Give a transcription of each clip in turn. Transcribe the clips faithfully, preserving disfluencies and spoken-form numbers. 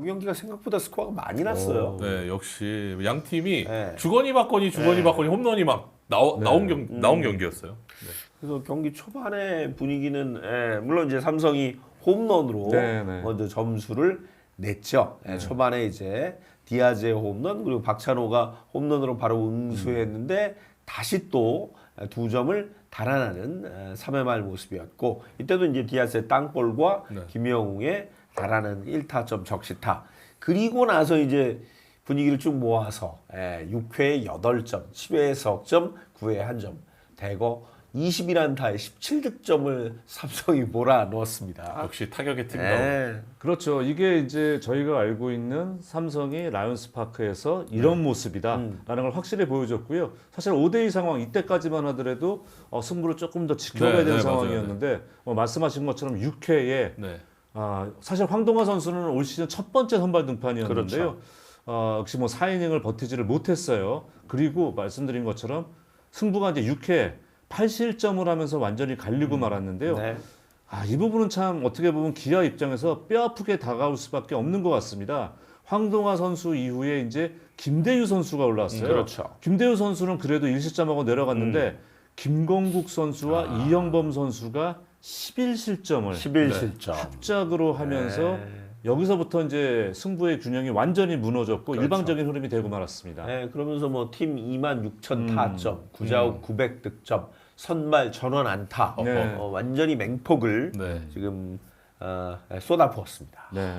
이 경기가 생각보다 스코어가 많이 났어요. 네, 역시 양 팀이 네. 주거니 받거니 주거니 네. 받거니 홈런이 막 나오, 네. 나온 경 음. 나온 경기였어요. 그래서 경기 초반에 분위기는 예, 물론 이제 삼성이 홈런으로 네, 네. 먼저 점수를 냈죠. 예, 초반에 이제 디아즈의 홈런 그리고 박찬호가 홈런으로 바로 응수했는데 다시 또 두 점을 달아나는 삼 회 말 모습이었고 이때도 이제 디아즈의 땅볼과 네. 김영웅의 달아나는 일 타점 적시타 그리고 나서 이제 분위기를 쭉 모아서 예, 육 회에 여덟 점, 십 회에 석 점, 구 회에 한 점 대거 이십일 안타에 십칠 득점을 삼성이 몰아넣었습니다. 역시 타격의 팀다운. 예. 그렇죠. 이게 이제 저희가 알고 있는 삼성이 라이온스 파크에서 이런 모습이다라는 걸 확실히 보여줬고요. 사실 오 대 이 상황 이때까지만 하더라도 어, 승부를 조금 더 지켜봐야 네, 되는 네, 상황이었는데 어, 말씀하신 것처럼 육 회에 네. 아, 사실 황동화 선수는 올 시즌 첫 번째 선발 등판이었는데요. 그렇죠. 어, 역시 뭐 사 이닝을 버티지를 못했어요. 그리고 말씀드린 것처럼 승부가 이제 육 회 팔 실점을 하면서 완전히 갈리고 말았는데요. 네. 아, 이 부분은 참 어떻게 보면 기아 입장에서 뼈아프게 다가올 수밖에 없는 것 같습니다. 황동화 선수 이후에 이제 김대유 선수가 올라왔어요. 음, 그렇죠. 김대유 선수는 그래도 일 실점하고 내려갔는데 김건국 선수와 아. 이영범 선수가 십일 실점을 십일 네. 실점. 합작으로 하면서 네. 여기서부터 이제 승부의 균형이 완전히 무너졌고 그렇죠. 일방적인 흐름이 되고 말았습니다. 네, 그러면서 뭐 팀 이만 육천 음. 타점, 구자욱 구백 득점, 선발 전원 안타, 네. 어, 완전히 맹폭을 네. 지금 어, 쏟아부었습니다. 네.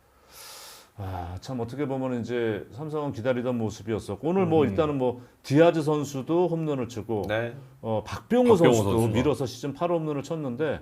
아, 참 어떻게 보면 이제 삼성은 기다리던 모습이었었고 오늘 뭐 일단은 뭐 디아즈 선수도 홈런을 치고 네. 어, 박병호, 박병호 선수도 선수가. 밀어서 시즌 팔 홈런을 쳤는데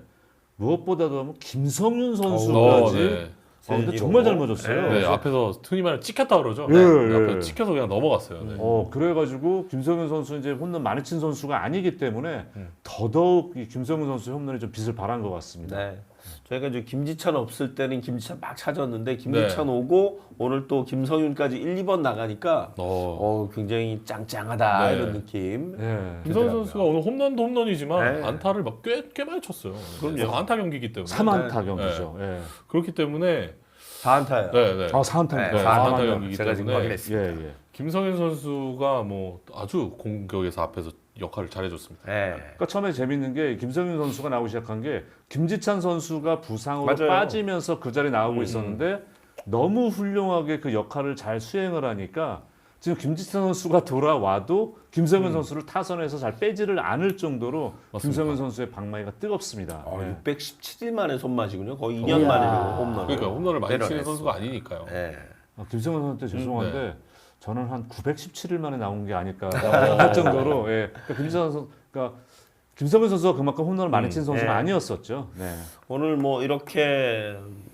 무엇보다도 뭐 김성윤 어, 선수까지 네. 어, 근데 세지로. 정말 잘 맞았어요. 네, 앞에서 흔히 말하는 찍혔다 그러죠. 예, 네. 예. 앞에서 찍혀서 그냥 넘어갔어요. 네. 어 그래가지고 김성윤 선수 이제 홈런 많이 친 선수가 아니기 때문에 음. 더더욱 이 김성윤 선수 홈런이 좀 빛을 발한 것 같습니다. 네. 저희가 이제 김지찬 없을 때는 김지찬 막 찾았는데 김지찬 네. 오고 오늘 또 김성윤까지 일, 이 번 나가니까 어. 어, 굉장히 짱짱하다 네. 이런 느낌. 예. 김성현 선수가 오늘 홈런도 홈런이지만 네. 안타를 막 꽤 꽤 많이 쳤어요. 그럼요. 안타 경기이기 때문에. 삼 안타 경기죠. 예. 그렇기 때문에 사 안타예요. 네, 네. 아 사 안타. 네, 네, 사 안타 안타 경기이기 제가 지금 때문에. 확인했습니다. 예, 예. 김성현 선수가 뭐 아주 공격에서 앞에서 역할을 잘해줬습니다. 네. 그러니까 처음에 재밌는 게 김성윤 선수가 나오기 시작한 게 김지찬 선수가 부상으로 맞아요. 빠지면서 그 자리에 나오고 음. 있었는데 너무 훌륭하게 그 역할을 잘 수행을 하니까 지금 김지찬 선수가 돌아와도 김성윤 선수를 타선에서 잘 빼지를 않을 정도로 맞습니다. 김성윤 선수의 방망이가 뜨겁습니다. 어, 네. 육백십칠 일 만에 손맛이군요. 거의 이 년 이야. 만에 홈런. 그러니까 홈런을 많이 치는 내려냈어. 선수가 아니니까요. 네. 아, 김성현 선수한테 죄송한데 네. 저는 한 구백십칠 일 만에 나온 게 아닐까 할 정도로 예. 그러니까 김지찬 선수, 그러니까 김성현 선수가 그만큼 홈런을 많이 친 선수는 예. 아니었었죠. 네. 오늘 뭐 이렇게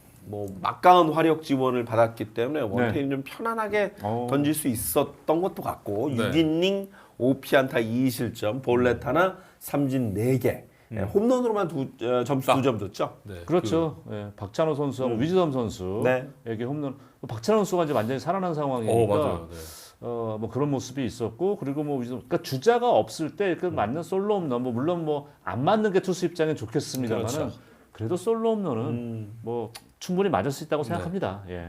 뭐 막강한 화력 지원을 받았기 때문에 원태인 좀 편안하게 어. 던질 수 있었던 것도 같고 네. 육 이닝 오 피안타 이 실점, 볼넷 하나, 삼진 네 개. 예, 홈런으로만 두, 어, 점수 딱. 두 점 줬죠. 네, 그렇죠. 예, 박찬호 선수하고 위즈덤 선수에게 네. 홈런. 박찬호 선수가 이제 완전히 살아난 그, 상황이니까 어 맞아요. 네. 어, 뭐 그런 모습이 있었고 그리고 뭐 위즈덤, 그러니까 주자가 없을 때 그 맞는 솔로 홈런, 뭐 물론 뭐 안 맞는 게 투수 입장엔 좋겠습니다만은 그렇죠. 그래도 솔로 홈런은 음. 뭐 충분히 맞을 수 있다고 생각합니다. 예.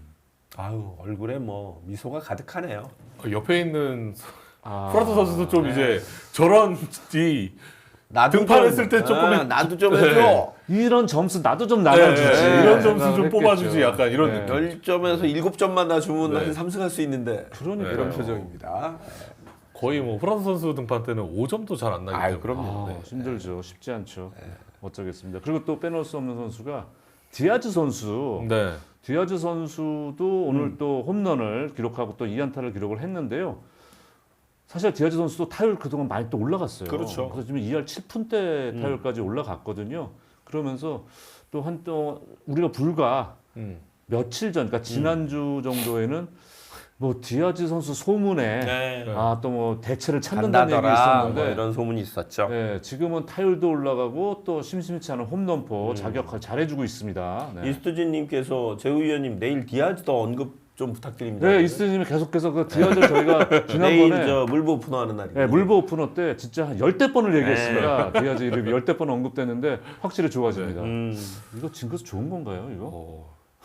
아유 얼굴에 뭐 미소가 가득하네요. 어, 옆에 있는 아, 프라토 선수도 좀 이제 저런 이 나도 등판했을 때 조금 아, 나도 좀 해줘. 이런 점수 나도 좀 나눠주지. 네, 이런 점수 좀 생각을 뽑아주지 했겠죠. 약간 이런 네. 느낌. 열 점에서 일곱 점만 나 주면 네. 한 삼승 할 수 있는데 그러니까요. 이런 표정입니다. 거의 뭐 프라토 선수 등판 때는 오 점도 잘 안 나기 아유, 때문에. 그럼요. 아, 네. 힘들죠. 쉽지 않죠. 어쩌겠습니다. 그리고 또 빼놓을 수 없는 선수가 디아즈 선수. 네. 디아즈 선수도 오늘 음. 또 홈런을 기록하고 또 이 안타를 기록을 했는데요. 사실 디아즈 선수도 타율 그동안 많이 또 올라갔어요. 그렇죠. 그래서 지금 이 할 칠 푼대 타율까지 올라갔거든요. 그러면서 또 한 또 우리가 불과 음. 며칠 전, 그러니까 지난주 정도에는 뭐 디아즈 선수 소문에 네. 아 또 뭐 대체를 찾는다는 얘기 간다더라 있었는데 뭐 이런 소문이 있었죠. 네, 지금은 타율도 올라가고 또 심심치 않은 홈런포 자격 잘해주고 있습니다. 네, 이스트진님께서 재우 위원님 내일 디아즈도 언급 좀 부탁드립니다. 네 이스트님이 계속해서 그 디아즈를 저희가 내일 지난번에 저 물보 오픈하는 날이에요. 네, 물보 오픈어 때 진짜 한 열대 번을 얘기했습니다. 디아즈 이름이 열대 번 언급됐는데 확실히 좋아집니다. 음. 이거 징크스 좋은 건가요? 이거? 어.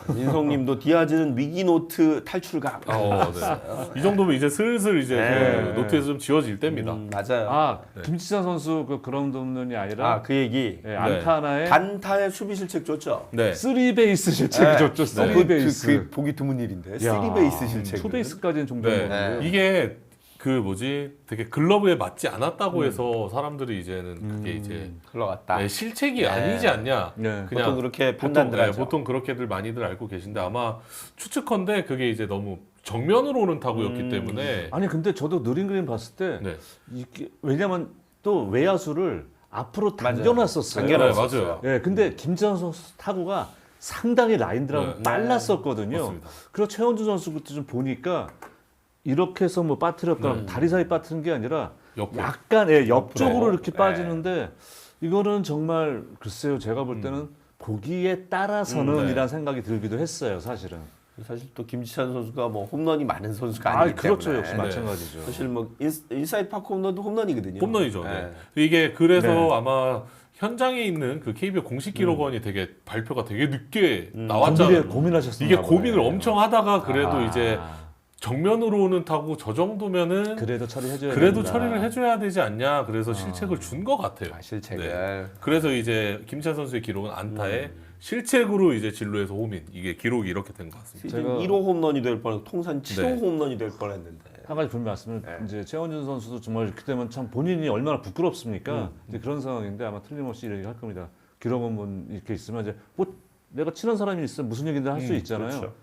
민성님도 디아즈는 위기 노트 탈출각. 아, 어, 네. 이 정도면 이제 슬슬 이제 네. 그 노트에서 좀 지워질 때입니다. 음, 맞아요. 아 네. 김지찬 선수 그 그라운드 홈런이 아니라 아 그 얘기. 예, 안타 하나에 단타의 수비 실책 줬죠. 네. 쓰리 베이스 실책이 줬죠. 어, 쓰리 그, 베이스. 그, 그 보기 드문 일인데. 쓰리 베이스 실책. 투 베이스까지는 종종 네. 보는데. 이게 그 뭐지 되게 글러브에 맞지 않았다고 해서 사람들이 이제는 그게 이제 흘러갔다. 네, 실책이 네. 아니지 않냐. 네. 그냥 보통 그렇게 보통, 판단들 네, 하죠. 보통 그렇게들 많이들 알고 계신데 아마 추측컨대 그게 이제 너무 정면으로 오는 타구였기 음. 때문에 아니 근데 저도 느린 그림 봤을 때 네. 이게 왜냐면 또 외야수를 앞으로 맞아요. 당겨놨었어요. 네, 당겨놨었어요. 맞아요. 예, 근데 김지찬 선수 타구가 상당히 라인 드랍 네. 빨랐었거든요. 맞습니다. 그리고 최원준 선수 그때 좀 보니까 이렇게 해서 뭐 빠뜨렸거나 네. 다리 사이 빠뜨린 게 아니라 옆으로. 약간 예, 옆쪽으로 옆으로. 이렇게 네. 빠지는데 이거는 정말 글쎄요 제가 볼 때는 보기에 따라서는 음, 네. 이란 생각이 들기도 했어요 사실은. 사실 또 김지찬 선수가 뭐 홈런이 많은 선수가 아 아니기 그렇죠 때문에. 역시 네. 마찬가지죠. 사실 뭐 인, 인사이드 파크 홈런도 홈런이거든요. 홈런이죠. 네. 네. 이게 그래서 네. 아마 현장에 있는 그 케이비오 공식 기록원이 되게 발표가 되게 늦게 고민을 나왔잖아요. 고민하셨어요. 이게 고민을 엄청 하다가 그래도 아. 이제 정면으로 오는 타구 저 정도면은 그래도 처리해줘야 그래도 된다. 처리를 해줘야 되지 않냐. 그래서 실책을 준 것 같아요. 아, 실책을. 네. 그래서 이제 김찬 선수의 기록은 안타에 실책으로 이제 진루에서 홈인 이게 기록이 이렇게 된 것 같습니다. 시즌 제가- 일 호 홈런이 될 뻔, 통산 칠 호 네. 홈런이 될 뻔했는데. 한 가지 분명 말씀을 네. 이제 최원준 선수도 정말 이렇게 되면 참 본인이 얼마나 부끄럽습니까? 음. 이제 그런 상황인데 아마 틀림없이 이런 얘기 할 겁니다. 기록 한번 이렇게 있으면 이제 뭐 내가 친한 사람이 있으면 무슨 얘기든 할 수 음, 있잖아요. 그렇죠.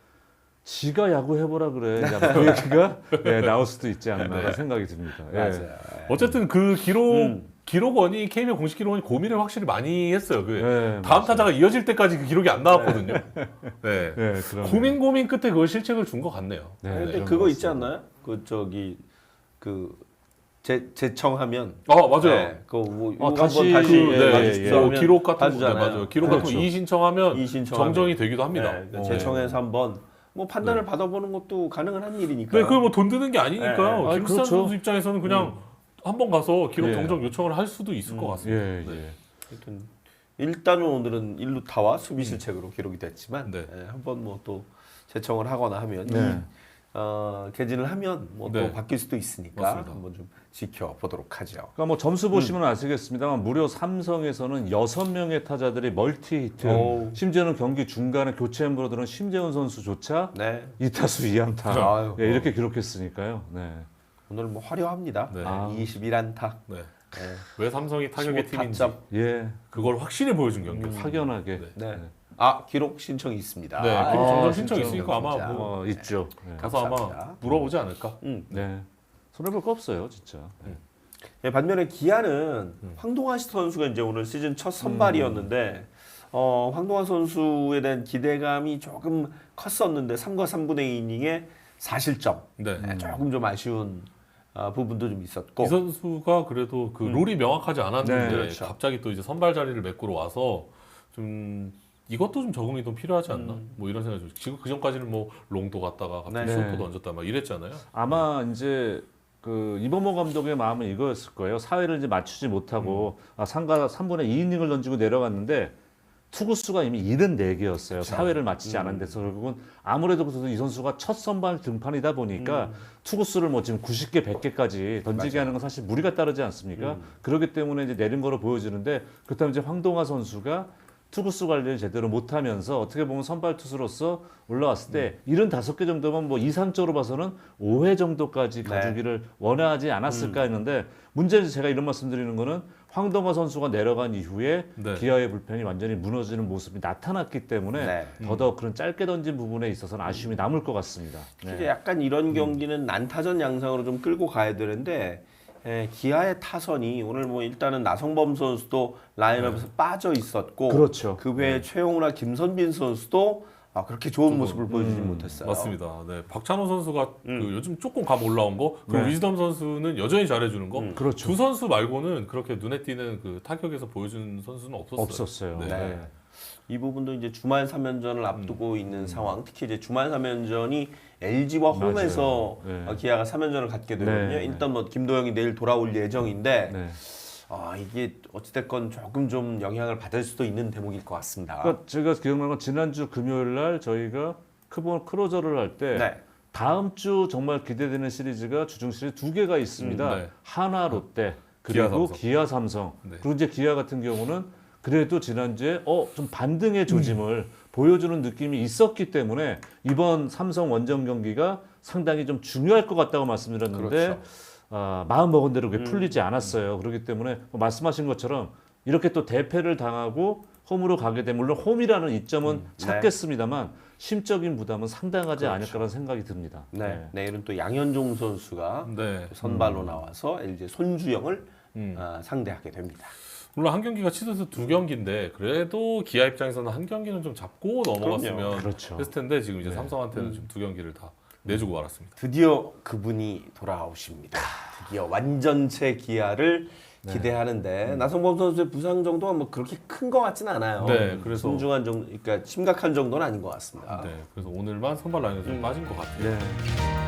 지가 야구 해보라 그래. 이제 아마 그 얘기가 예, 나올 수도 있지 않나 네. 생각이 듭니다. 예. 맞아요. 어쨌든 그 기록 음. 기록원이 케이비오 공식 기록원이 고민을 확실히 많이 했어요. 그 예, 다음 맞아요. 타자가 이어질 때까지 그 기록이 안 나왔거든요. 네. 예, 그럼. 고민 고민 끝에 그걸 실책을 준 것 같네요. 네, 근데 그런 그거 것 있지 같습니다. 않나요? 그 저기 그 재, 재청하면 아 맞아요. 네, 그거 뭐 어, 이거 다시 한번 다시 그, 예, 네, 예, 예. 뭐 기록 같은 거 네, 봐주잖아요. 맞아요. 기록 같은 거 그렇죠. 이 신청하면 이 신청하면. 정정이 되기도 합니다. 네, 그러니까 어. 재청해서 한번 뭐 판단을 받아보는 것도 가능한 한 일이니까. 네, 그게 뭐 돈 드는 게 아니니까요. 네, 네. 아니, 김수찬 그렇죠. 선수 입장에서는 그냥 한번 가서 기록 예. 정정 요청을 할 수도 있을 것 같습니다. 예, 네. 예. 하여튼 일단은 오늘은 일루타와 수비 실책으로 기록이 됐지만 네. 예, 한번 뭐 또 재청을 하거나 하면 네. 이, 어, 개진을 하면 뭐 또 네. 바뀔 수도 있으니까 맞습니다. 한번 좀 지켜보도록 하죠. 그러니까 뭐 점수 보시면 아시겠습니다만 무려 삼성에서는 여섯 명의 타자들이 멀티 히트, 오우. 심지어는 경기 중간에 교체 엠브로 들은 심재훈 선수조차 네. 이 타수 이 안타 아유, 예, 이렇게 기록했으니까요. 네. 오늘 뭐 화려합니다. 네. 아. 이십일 안타. 네. 네. 왜 삼성이 타격의 십오 팀인지 타점. 예, 그걸 확실히 보여준 경기였어요. 확연하게 네. 네. 아 기록 신청이 있습니다. 네, 아, 기록 아, 정정 신청 진짜. 있으니까 아마 진짜. 뭐 어, 있죠. 네. 가서 아마 감사합니다. 물어보지 않을까. 음. 네. 손해볼 거 없어요, 진짜. 네. 네, 반면에 기아는 음. 황동환 선수가 이제 오늘 시즌 첫 선발이었는데 어, 황동환 선수에 대한 기대감이 조금 컸었는데 삼과 삼분의 이 이닝에 사 실점. 네. 네, 조금 좀 아쉬운 어, 부분도 좀 있었고. 이 선수가 그래도 그 룰이 명확하지 않았는데 네, 그렇죠. 갑자기 또 이제 선발 자리를 메꾸러 와서 좀 이것도 좀 적응이 좀 필요하지 않나? 뭐 이런 생각이 좀. 지금 그 전까지는 뭐 롱도 갔다가 갑자기 네. 쇼도 던졌다 막 이랬잖아요. 아마 이제 그 이범호 감독의 마음은 이거였을 거예요. 사회를 이제 맞추지 못하고 아, 삼과 삼분의 이 이닝을 던지고 내려갔는데 투구수가 이미 칠십사 개였어요. 사회를 맞추지 않은 데서 결국은 아무래도 그래도 이 선수가 첫 선발 등판이다 보니까 투구수를 뭐 지금 구십 개, 백 개까지 던지게 하는 건 사실 무리가 따르지 않습니까? 그렇기 때문에 이제 내린 거로 보여지는데 그렇다면 이제 황동화 선수가 투구수 관리를 제대로 못하면서 어떻게 보면 선발 투수로서 올라왔을 때 칠십오 개 정도면 뭐 이상적으로 봐서는 오 회 정도까지 네. 가주기를 원하지 않았을까 했는데 문제는 제가 이런 말씀드리는 거는 황동화 선수가 내려간 이후에 네. 기아의 불펜이 완전히 무너지는 모습이 나타났기 때문에 네. 더더욱 그런 짧게 던진 부분에 있어서는 아쉬움이 남을 것 같습니다. 네. 이제 약간 이런 경기는 난타전 양상으로 좀 끌고 가야 되는데 에, 기아의 타선이 오늘 뭐 일단은 나성범 선수도 라인업에서 빠져 있었고 그렇죠. 그 외에 최용우나 김선빈 선수도 아, 그렇게 좋은 모습을 보여주지 못했어요. 맞습니다. 네, 박찬호 선수가 그 요즘 조금 감 올라온 거, 그리고 네. 위즈덤 선수는 여전히 잘해주는 거. 그렇죠. 두 선수 말고는 그렇게 눈에 띄는 그 타격에서 보여주는 선수는 없었어요. 없었어요. 네. 네. 이 부분도 이제 주말 삼 연전을 앞두고 있는 상황. 특히 이제 주말 삼 연전이 엘지와 맞아요. 홈에서 네. 어, 기아가 삼 연전을 갖게 되거든요. 네. 일단 뭐 김도영이 내일 돌아올 예정인데 네. 아 이게 어찌됐건 조금 좀 영향을 받을 수도 있는 대목일 것 같습니다. 그러니까 제가 기억나는 건 지난주 금요일 날 저희가 크본 크로저를 할 때 네. 다음 주 정말 기대되는 시리즈가 주중 시리즈 두 개가 있습니다. 음, 네. 하나 롯데 기아, 그리고 삼성. 기아 삼성. 네. 그리고 이제 기아 같은 경우는 그래도 지난주에 어 좀 반등의 조짐을 보여주는 느낌이 있었기 때문에 이번 삼성 원정 경기가 상당히 좀 중요할 것 같다고 말씀드렸는데 그렇죠. 아, 마음 먹은 대로 그게 풀리지 않았어요. 그렇기 때문에 뭐 말씀하신 것처럼 이렇게 또 대패를 당하고 홈으로 가게 되면 물론 홈이라는 이점은 음, 네. 찾겠습니다만 심적인 부담은 상당하지 그렇죠. 않을까라는 생각이 듭니다. 네. 내일은 또 양현종 선수가 네. 선발로 나와서 엘지 손주영을 음. 아, 상대하게 됩니다. 물론 한 경기가 취소해서 두 경기인데 그래도 기아 입장에서는 한 경기는 좀 잡고 넘어갔으면 그렇죠. 했을 텐데 지금 이제 삼성한테는 지금 두 경기를 다 내주고 말았습니다. 드디어 그분이 돌아오십니다. 드디어 완전체 기아를 기대하는데 나성범 선수의 부상 정도가 뭐 그렇게 큰 것 같지는 않아요. 네, 그래서- 순중한 정도, 그러니까 심각한 정도는 아닌 것 같습니다. 네, 그래서 오늘만 선발 라인에서 좀 빠진 것 같아요. 네.